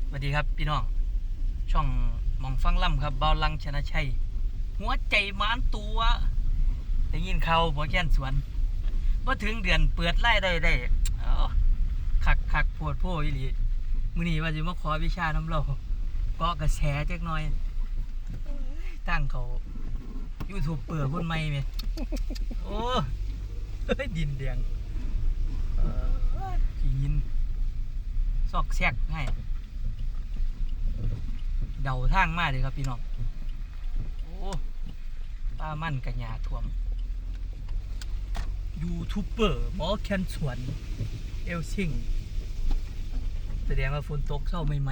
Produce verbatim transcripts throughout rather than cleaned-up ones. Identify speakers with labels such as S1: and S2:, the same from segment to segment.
S1: สวัสดีครับพี่น้องช่องมองฟังล่ำครับเบาลังชนะชัยหัวใจมานตัวได้ยินเขาหมอแก้นสวนว่าถึงเดือนเปิดไล่ได้ได้คักคักปวดโพ่อีหลีมื้อนี้ว่าจะมาขอวิชาน้ำเราเกาะกระแสจักหน่อยตั้งเขายูทูบเปิดคนใหม่ไหมโอ้ดินแดงขี้ยินซอกแซกให้เดาทางมากเลยครับพี่น้องโอ้ป้ามั่นกัญญาท่วมยูทูบเบอร์หมอแคนสวนเอลซิงแสดงว่าฝนตกเศร้าใหม่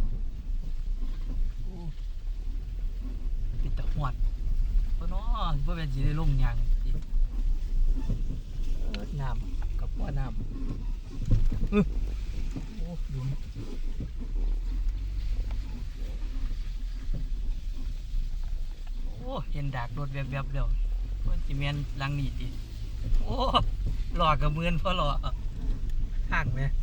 S1: ๆโอ้ปิดตะหวดเพราะน้อเพราะเป็นสีได้ล่มยางน้ำกับว่าน้ำโอ้ดูโอ้เห็นดากรถแวบๆแล้วมันจะเมียนลังนี่ดิโอ้หลอกกับเมือนเพราะหลอกห่างไหม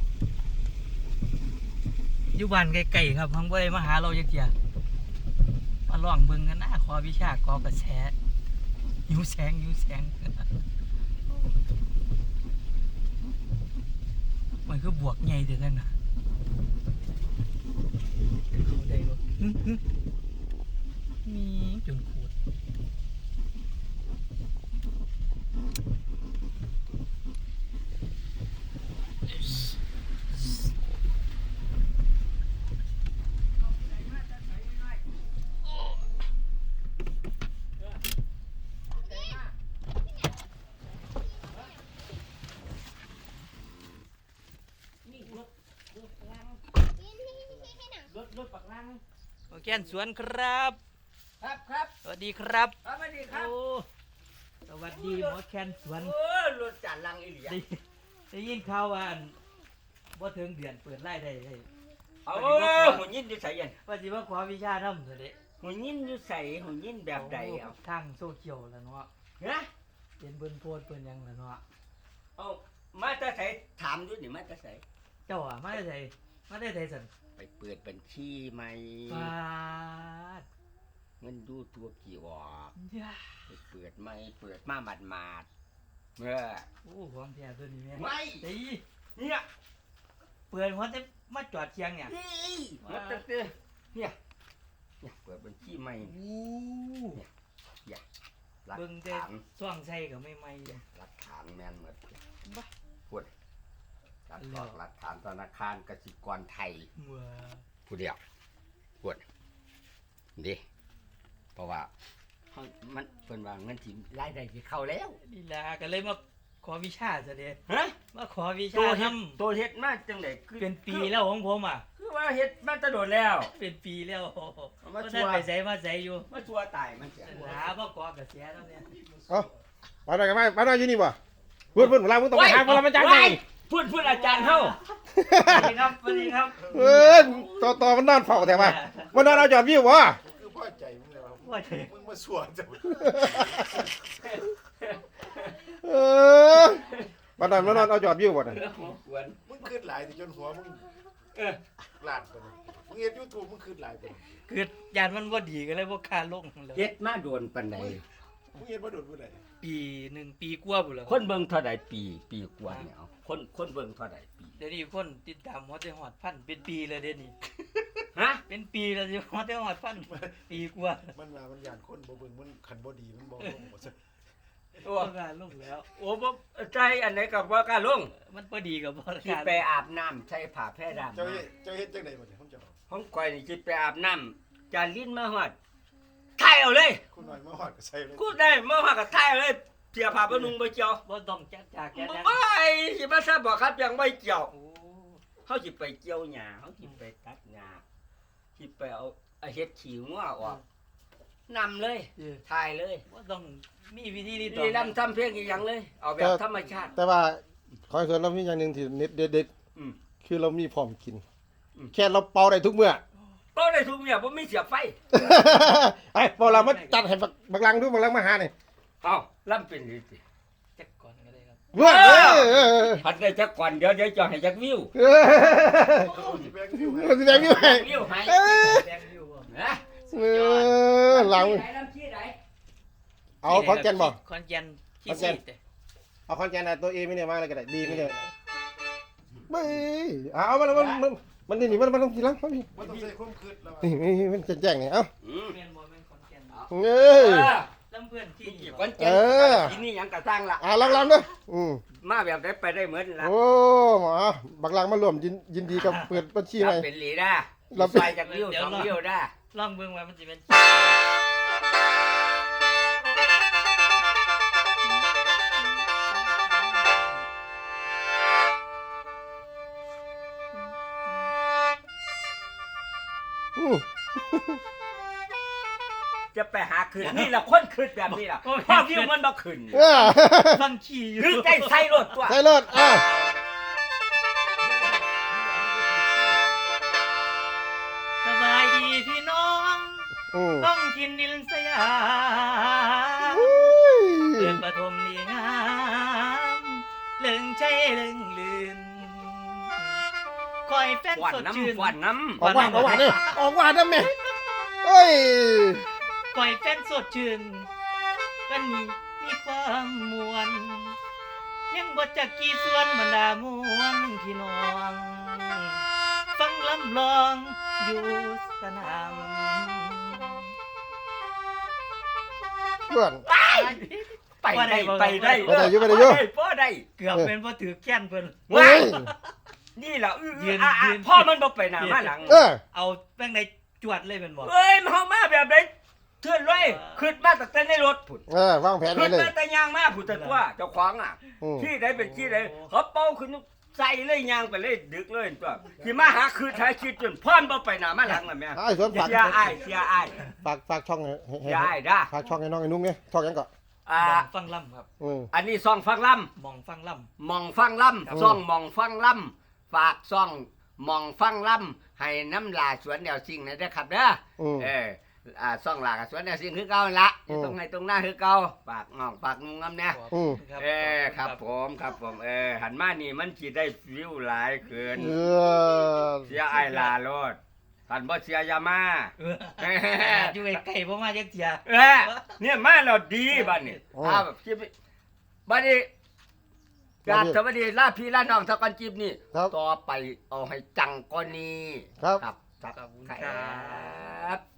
S1: อยู่บ้านไกลๆครับพังบ่ได้มาหาเราจักเที่ยมาลองเบิ่งกันนะขอวิชากอกระแสหิวแสงหิวแสงมันคือบวกใหญ่เด้อนั่นน่ะเขาได้บ่มีจนขูดรถรถปักลังโอเคสวนครับ
S2: ครับครับ
S1: สวัสดีครับ
S2: สวัสดีครับ
S1: โอ้สวัสดีหมอแคนสวน
S2: โอ้รถจานลังอีหลี
S1: ได้ได้ยินข่าวว่าว่าถึงเดือนเปิดไล่ได้ได้
S2: เอาหุ่นยินอยู่ใส่ยัน
S1: ว่าสิว่าขอวิชาทำเถอะเด้
S2: หุ่นยินอยู่ใส่หุ่นยินแบบใดเอา
S1: ทางโซเชียลแล้วเนาะ
S2: นะ
S1: เป็นเบิ้นโพดเปิ้นยังแล้วเนาะ
S2: เอามาจะใส่ถามด้วยนี่มาจะใส่
S1: เจ้าอ่ะมาได้ใส่มาได้ใส่สัน
S2: ไปเปิดบัญชีใหม่
S1: ฟาด
S2: เงินดูตัวกี่วอกไปเปิดใหม่เปิดมาหมาดหมาดเมื่อ
S1: โอ้ความแท้ตัวนี้แม่
S2: ไม่
S1: ตี
S2: เนี่ย
S1: เปิดหัวจะมาจอดเชียงเนี่ย
S2: นี่มาตั้งแต่เนี่ยเนี่ยเปิดบัญชีใหม่เนี่ยอย่า
S1: เบิ่งแต่ซ่องใส่ก็ไม่ไม่เลย
S2: หลักฐานแม่นหมดพูดหลักฐานหลักฐานธนาคารกสิกรไทยพูดเดียวพูดดิเพราะว่ามันเป็นว่าเงินที่รายได้ที่เข้าแล้ว
S1: นี่ล่ะก็เลยมาขอวิชาซะเด้
S2: ฮะ
S1: มาขอวิชา
S2: ทำตัวเฮ็ดมาจังได๋
S1: คือเป็นปีแล้วของผมอ่ะ
S2: คือว่าเฮ็ดมาตะโดดแล้ว
S1: เป็นปีแล้ว
S2: มา
S1: ชัวไปใส่มาใส่อยู่
S2: มาชัวตายมันเสีย
S1: หาบ่กอกระเสียแล้วเนี่ย
S3: เอ้ามาหน่อยกันไหมมาหน่อยอยู่นี่บ่พูดพูดเวลามึงต้องไปหาเวลามันจังไง
S2: พูดพูดอาจารย์เฮา
S1: สวัสดีครับสวัสดีครับ
S3: เออต่อต่อมันนอนเฝ้าแต่ว่ามันนอนเอาจอดวิวบ่
S4: คือพ่อใจมึงเลยว่า
S1: พ่อใจ
S4: มึงมาสวนจัง
S3: เออมันนอนมันนอนเอาจอดวิวบ่น่ะ
S4: มึงขึ้นหลายจนหัวมึงเออลาดไปมึงเฮ็ด YouTube มึงขึ้นหลายไป
S1: เกิดยานมันบ่ดีก็เลยบ่คาลง
S2: เฮ็ดมาโดนปานใด
S4: มึงเฮ็ดบ่โดนผู้ใด
S1: ปีหนึ่งปีกว่าพุ่นแล้ว
S2: คนเบิ่งเท่าใดปีปีกว่าเนี่ยเอาคนคนเบิ่งเท่าใดปี
S1: เดี๋ยวนี้คนติดตามฮอดได้ฮอดพันเป็นปีเลยเดี๋ยวนี้
S2: ฮะ
S1: เป็นปีแล้วสิฮอดได้ฮอดพันปีกว่า
S4: มันว่ามันย่านคนบ่เบิ่งมันคันบ่ดีมันบ่ลงบ่ซะ
S1: โอ้กล้าลงแล้ว
S2: โอ้บ่ใจอันไหนก็บ่กล้าลง
S1: มันบ่ดีก็บ่
S2: กล้าไปอาบน้ำใส่ผ้าแพร่ดำ
S4: เจ้าเฮ็ดเจ้าเฮ็ดจังได๋บ่เนี่ยผมจะบอก
S2: ของข่อยนี่สิไปอาบน้ำจานลิ้นมาฮอดถ่ายเอาเลย
S4: คุณหน่อยมาฮอดก็ใส่เลย
S2: กูได้มาฮอดก็ถ่ายเอาเลยเสียผ้าบ่นุ่งบ่เกี่ยว
S1: บ่ต้องจักจากแก่
S2: บ่สิมาซะบ่ครับยังบ่เกี่ยวเฮาสิไปเกี่ยวหญ้าเฮาสิไปตัดหญ้าสิไปเอาเฮ็ดขี้งัวออกนำเลยถ่ายเลย
S1: บ่ต้องมีวิธีนี้
S2: ต่อนี่นำทำเพลงอีหยังเลยเอาแบบธรรมชาติ
S3: แต่ว่าขอให้ส่วนเรามีอย่างนึงที่เน็ตเด็ดๆคือเรามีพร้อมกินแค่เราเป่าได้ทุกเมื่อ
S2: เป่าได้ทุกเมื่อบ่มีเสียบไฟ
S3: ไอ้พอเรามาจัดให้บักลังดูบักลังมาหานี่
S2: เอ้าล่ำเป็นนี่สิ
S1: จักก่อนก็ได้ครับ
S3: เว้ยเอ้ยเอ้ย
S2: พัดได้จักก่อนเดี๋ยวเดี๋ยวจะให้จักวิว
S3: เอ้ย
S4: เอาสิแบงค์อยู่ให้
S3: มันสิแบงค์อยู่ให้
S2: วิวให้
S3: เอ้ย
S1: แดงอยู่บ่
S2: นะ
S3: เออหลัง
S2: ไหนลำชี้ไหน
S3: เอาคอนแกนบ่
S1: คอนแกนขี้
S3: คอนแก
S1: ซี
S3: น
S1: ดเด้
S3: เอาคอนแกนอะตัวเอไม่เนี่ยมาอะไรก็ได้ดีไม่เนี่ยไม่เอามันมันมันมันนี่นี่มันมันต้องทีหลังเขาพี่
S4: มันต้องใส่ความคืดแล้ว
S3: นี่นี่มันแจ้งๆนี่เอ้า
S2: อืม
S1: แม่นบ่แม่นคอนแกน
S3: เอ้ย
S1: ลำเพื่อนที่
S2: กี่
S1: นี่
S2: ก้อนเจ็
S3: เอ
S2: ด
S3: อ
S2: ที่นี่ยังกระสร้างละ
S3: อ่าลองๆเด้ออืม
S2: มาแบบได้ไปได้เหมือนละ
S3: โอ้หมอบักลังมารวมยินยินดีกับเปิดบัญชีใหม่
S2: เป็นหลีได้
S3: เราเป็น
S2: ใส่จากวิวสองวิวได้
S1: ลองเบิ่งว่ามันสิเป็น
S3: อืม
S2: จะไปหาคืนนี่ละคนคืนแบบนี้ล่ะเพราะวิวมันบ่ขึ้น
S3: เออ
S1: ฟังขี้อยู่
S2: คือใจใส่รถตัว
S3: ใส่รถอ่ะ
S1: สบายดีพี่น้อง
S3: อืม
S1: ต้องกินดินสยาม
S3: อุ้ย
S1: เดือนปฐมนี่งามเลิงใจเลิงลืนคอยแฟน
S2: หวาน
S1: สดชื่น
S2: น้ำหวานน้
S3: ออกหวานออกหวานเนี่ยออกหวานนะแม่เอ้ย
S1: คอยแฟนสดชื่นวันนี้มีความมวลยังบ่จักกี่ส่วนบรรดามวลพี่น้อง ฟังลำลองอยู่สนาม
S3: เพื่อน
S2: ำไปได้ไปได้
S3: ไปได้อยู่ไปได้อยู่
S2: พ่อได้
S1: เกือบเป็นบ่ถือแค้นเพิ่น
S3: เฮ้ย
S2: นี่แหละอื้อ
S1: ยืน
S2: อ่ะ
S1: ยื
S2: อ่ะ
S1: น
S2: พ่อมันบ่ไปหน้ามาหลัง
S3: เออ
S1: เอาแป้งในจวดเลยเป็นบ่
S2: เอ้ยมันเฮามาแบบไหนเทื่อนเลยขึ้นมาตั้งแต่ในรถผุด
S3: เออวางแผนไว้
S2: ขึ้น
S3: เลย
S2: มาแต่ยางมาผุดแต่ตัวเจ้าของอ่ะ
S3: อืม
S2: ที่ใดเป็นที่ใดเขาเป่าขึ้นใส่เลยยางไปเลยดึกเลยตัวที่มาหาคือท้ายชีวิตจนพ่อนบ่ไปหน้ามาหลังล่ะแม่
S3: ไอ้สวนฝาก
S2: เสียอ้ายเสียอ้าย
S3: ฝากฝากช่องให้ให้
S2: เสียอ้ายด้า
S3: ฝากช่องให้น้องไอ้นุ้งเนี่ยช่องยังก่อน
S2: อ่า
S1: มองฟังล่ำครับ
S3: อืม
S2: อันนี้ซองฟังล่ำ
S1: มองฟังล่
S2: มองฟังล่
S3: ครับ
S2: ำซ่องมองฟังล่ำฝากซ่องมองฟังล่ำให้น้ำลาสวนแนวสิ่งนะเด้อครับเด้อ
S3: อืม
S2: เอออ่าซ่องลากับสวนแนวสิ่งคือเก่าละอ
S3: อื
S2: ยู่
S3: ม
S2: ตรงไหนตรงหน้าคือเก่าฝากงองฝากงุงงำเนี่ย
S1: ำ
S3: อืม
S2: เออครับผมครับผมเออหันมานี่มันสิได้วิวหลายเกิน
S3: เออ
S2: เสียไอ้ลาโลดท่านบ่เสียอยามา
S1: เอออยู่ไกลๆบ่มาจักเที่ย
S2: เออเนี่ยมาแล้วดีบัดนี้ถ้าแบบคลิปนี้บัดนี้กราบสวัสดีลาพี่ลาน้องสักกันจิบนี่
S3: ครับ
S2: ต่อไปเอาให้จังกว่านี้
S3: ครับ
S2: ครับ
S1: ขอบคุณ
S2: ค
S1: ครั
S2: รับ